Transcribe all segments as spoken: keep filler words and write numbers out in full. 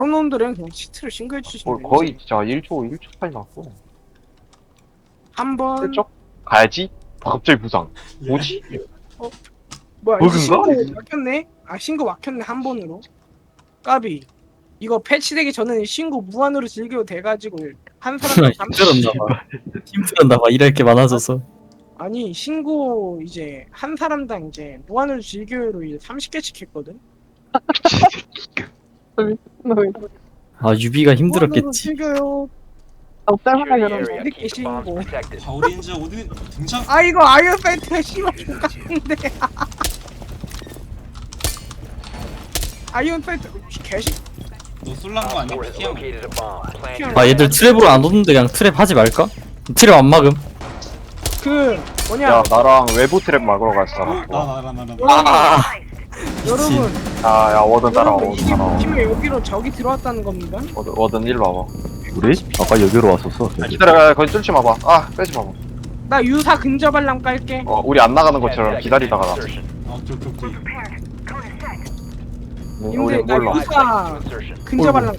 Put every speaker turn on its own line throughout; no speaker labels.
그런 놈들은 그냥 치트를 신고해 주시면
거,
돼요.
거의 진짜 일 초 일 초 차이 났고
한번
슬쩍 가야지. 갑자기 부상. 뭐지?
뭐야
버그인가?
신고 막혔네? 아 신고 막혔네 한 번으로. 까비. 이거 패치되기 전에는 신고 무한으로 즐겨도 돼가지고 한 사람
힘들었나봐. 힘들었나봐. 일할 게 많아져서.
아니 신고 이제 한 사람당 이제 무한으로 즐겨요로 이제 삼십 개씩 했거든.
아 유비가
무한으로
힘들었겠지.
즐겨요.
적절하다
Secure the
그러면.
area. Keep the bombs
신고.
protected.
바우린즈 어디 등장?
아 이거 아이언 파이트가 심한 족같은데. 아이언 파이트 개시.
너 쏠란 거 아니야?
Four has
피한 거.
located a bomb. Plan your
아 얘들 트랩으로 안 오는데 그냥 트랩 하지 말까? 트랩 안 막음.
그 뭐냐
야 나랑 외부 트랩 막으러 갈 사람.
나나나나 나.
아
여러분
야야 워든 따라와
여러분
워든
이게
따라와.
팀에 여기로 적이 들어왔다는 겁니다.
워든 워든 일로 와봐.
우리? 아까 여기로 왔었어.
아, 기다려 거기 뚫지 마봐. 아 빼지 마봐.
나 유사 근접 알람 깔게.
어 우리 안 나가는
ten
것처럼
seconds
기다리다가 나.
insertion.
아 오케이 오케이 오케이.
우리
님들 나
몰라.
Five seconds
유사
to insertion.
근접 알람.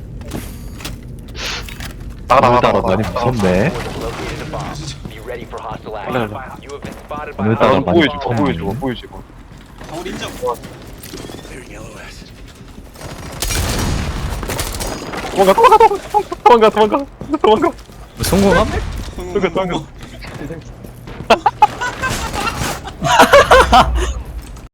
나가 나가
오늘따라
나가.
많이
나가.
무섭네.
Four has located a bomb. Be ready for hostile
네,
action.
네.
You have been spotted by
오늘따라
아,
많이
보여줘
무섭네.
보여줘 보여줘.
바우린즈.
도망가 도망가 도망가 도망가 도망가.
뭐 성공함?
성공 성공.